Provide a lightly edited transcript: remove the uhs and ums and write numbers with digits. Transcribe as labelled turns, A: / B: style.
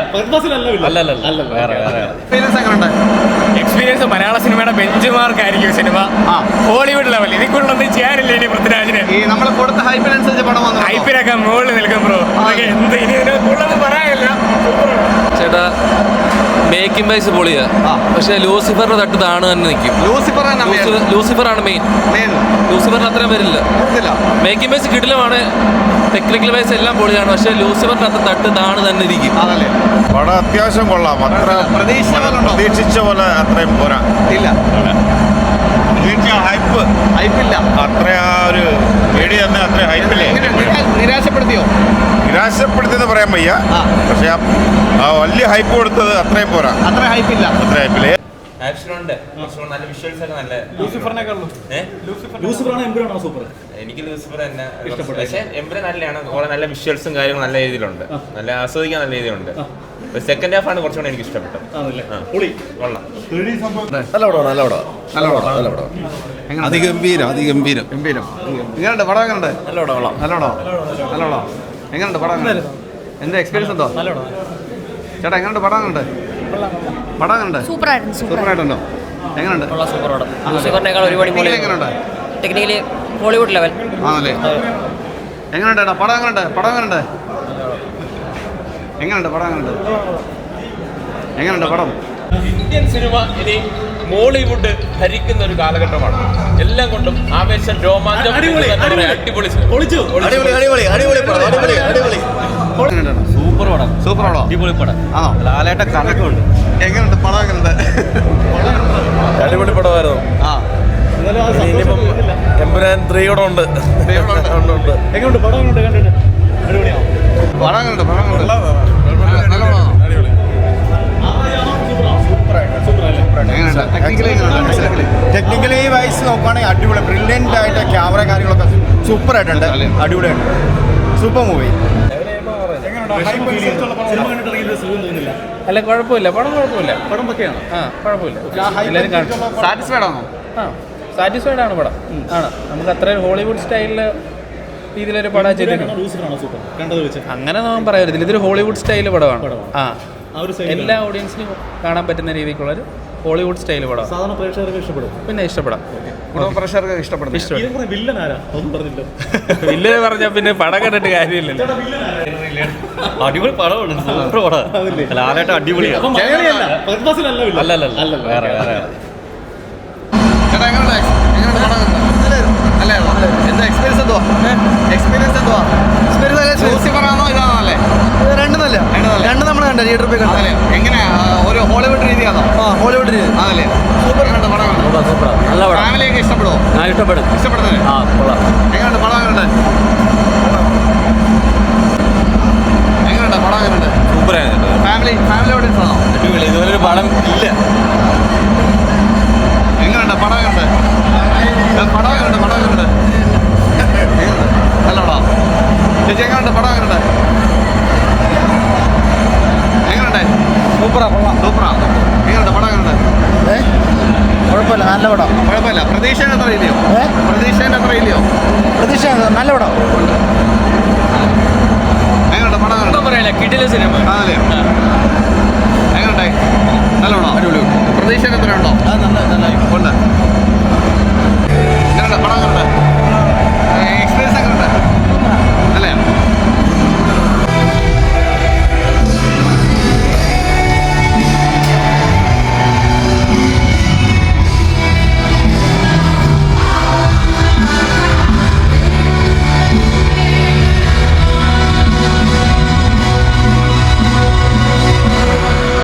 A: Experience മലയാള സിനിമയുടെ benchmark ആയിരിക്കും സിനിമ. Hollywood level. ഇതിക്കുള്ളൊന്നും ചെയ്യാനില്ല ഇനി പൃഥ്വിരാജിന്. ഹൈപ്പിനൊക്കെ മുകളിൽ നിൽക്കും ബ്രോ. എന്ത് ഇനി ഇതിനൊന്നും പറയാനില്ല.
B: ചേട്ടാ മേക്കിംഗ് വൈസ് പൊളിയാ, പക്ഷെ ലൂസിഫറിന്റെ തട്ട് താണ് തന്നെ നിൽക്കും. ലൂസിഫറാണ് മെയിൻ. ലൂസിഫറിന് അത്രയും വരില്ല. മേക്കിംഗ് വൈസ് കിടിലമാണ്, ടെക്നിക്കൽ വൈസ് എല്ലാം പൊളിയാണ്, പക്ഷെ ലൂസിഫറിന്റെ അത്ര തട്ട് താണ് തന്നെ ഇരിക്കും.
C: പടം അത്യാവശ്യം കൊള്ളാം. അത്ര പ്രതീക്ഷിച്ച പോലെ അത്രയും പോരാ. ഹൈപ്പില്ല. അത്ര ആ ഒരു പേടി തന്നെ അത്ര ഹൈപ്പില്ലേ. നിരാശപ്പെടുത്തിയെന്ന് പറയാൻ വയ്യ, പക്ഷെ ആ വലിയ ഹൈപ്പ് കൊടുത്തത് അത്രയും പോരാ. അത്ര ഹൈപ്പില്ല.
D: നല്ല വിഷ്വൽസ് ഒക്കെ നല്ല. എനിക്ക് ലൂസിഫർ തന്നെ ഇഷ്ടപ്പെട്ടു. പക്ഷേ എംബ്രൻ നല്ലതാണ്. കുറെ നല്ല വിഷ്വൽസും കാര്യങ്ങളും നല്ല രീതിയിലുണ്ട്. നല്ല ആസ്വദിക്കാൻ നല്ല രീതിയിലുണ്ട്. സെക്കൻഡ് ഹാഫ് ആണ് കുറച്ചുകൂടെ എനിക്ക് ഇഷ്ടപ്പെട്ടത്.
C: അതിഗംഭീരം.
E: എങ്ങനെയുണ്ട് പടം? എങ്ങനെയുണ്ട് പടം? എന്താ എക്സ്പീരിയൻസ് ഉണ്ടോ ചേട്ടാ? എങ്ങനെയുണ്ട് പടം? സൂപ്പറായിട്ടുണ്ടോ? എങ്ങനെയുണ്ട്?
F: ടെക്നിക്കലി ഹോളിവുഡ് ലെവൽ
E: ആണല്ലേ? എങ്ങനെയുണ്ട് പടം? എങ്ങനെയുണ്ട് പടം?
D: ഇന്ത്യൻ സിനിമ ഇനി മോളിവുഡ് ഭരിക്കുന്ന ഒരു കാലഘട്ടമാണ്. എല്ലാം കൊണ്ടും ആവേശം, രോമാഞ്ചം, അടിപൊളി.
E: സൂപ്പർ പടം. അടിപൊളി പടം. ആണോ? ലാലേട്ട കണക്കുണ്ട്. എങ്ങനെയുണ്ട് പടം?
C: അടിപൊളി പടമായിരുന്നു. ഇനിയിപ്പം എമ്പുരാൻ 3 കൂടെ ഉണ്ട്.
E: എങ്ങനെയുണ്ട് പടം? കണ്ടിട്ട് അടിപൊളിയാണോ? പടം
C: ടെക്നിക്കലി വൈസ് നോക്കുകയാണെങ്കിൽ അടിപൊളി, ബ്രില്യൻ്റ് ആയിട്ട് ക്യാമറ കാര്യങ്ങളൊക്കെ സൂപ്പറായിട്ടുണ്ട്. അടിപൊളിയായിട്ട് സൂപ്പർ മൂവി.
A: അല്ല കുഴപ്പമില്ല, പടം കുഴപ്പമില്ല. പടം ഒക്കെയാണ്.
E: സാറ്റിസ്ഫൈഡ് ആണോ?
A: സാറ്റിസ്ഫൈഡ് ആണ് പടം. ആണ്. നമുക്ക് അത്രയും ഹോളിവുഡ് സ്റ്റൈലില് രീതിയിലൊരു പടം ചെയ്തിട്ടുണ്ട്. അങ്ങനെ നമ്മൾ പറയരുതില്ല, ഇതൊരു ഹോളിവുഡ് സ്റ്റൈല് പടമാണ്. എല്ലാ ഓഡിയൻസിനും കാണാൻ പറ്റുന്ന രീതിക്കുള്ളൊരു ഹോളിവുഡ് സ്റ്റൈൽ പടം. സാധാരണ പ്രേക്ഷകർക്ക് ഇഷ്ടപ്പെടും. പിന്നെ ഇഷ്ടപ്പെടാം.
E: പ്രേക്ഷകർക്ക് ഇഷ്ടപ്പെടും.
A: വില്ലനെ പറഞ്ഞാൽ പിന്നെ പടം കണ്ടിട്ട് കാര്യമില്ലല്ലോ.
B: അടിപൊളി പടമാണ്, സൂപ്പർ പടം. ലാലേട്ട അടിപൊളിയാണ്. അല്ല വേറെ
E: എന്താ എക്സ്പീരിയൻസ് എന്തുവാ? ലൂസിഫറാണോ ഇതാണല്ലേ? രണ്ട് നമ്മൾ കണ്ട തിയേറ്ററിൽ പോയി കണ്ടല്ലേ? എങ്ങനെയാ? ഒരു ഹോളിവുഡ് രീതിയാണോ? ഹോളിവുഡ് രീതി ആണല്ലേ? സൂപ്പർ കണ്ട പടം.
B: നല്ല പടം.
E: ഫാമിലിയൊക്കെ ഇഷ്ടപ്പെടുമോ? ഇഷ്ടപ്പെടുന്നത്. എങ്ങനെയുണ്ട് പടം? എങ്ങനെയുണ്ട് പടം?
B: സൂപ്പറായിരുന്നു.
E: ഫാമിലി ഓഡിയൻസ് ആണോ?
B: അടിപൊളി. ഇതുപോലൊരു പടം ഇല്ല.
E: എങ്ങനെയുണ്ട് പടം? നല്ല പടം. ചേച്ചി എങ്ങനെയുണ്ട് പടം? എങ്ങനെയുണ്ട്? സൂപ്പറാ. എങ്ങനെയുണ്ട് പടം?
C: കുഴപ്പമില്ല, നല്ല പടം.
E: കുഴപ്പമില്ല. പ്രതീക്ഷേൻ്റെ അത്ര ഇല്ലയോ?
C: പ്രതീക്ഷ നല്ല പടം.
E: എങ്ങനെയുണ്ട് പടം?
A: കിടില സിനിമ.
E: ആണല്ലേ? എങ്ങനെയുണ്ടായി? നല്ല പടം. പ്രതീക്ഷേൻ്റെ അത്ര ഉണ്ടോ? ഉണ്ട്. എങ്ങനെയുണ്ട് പടം?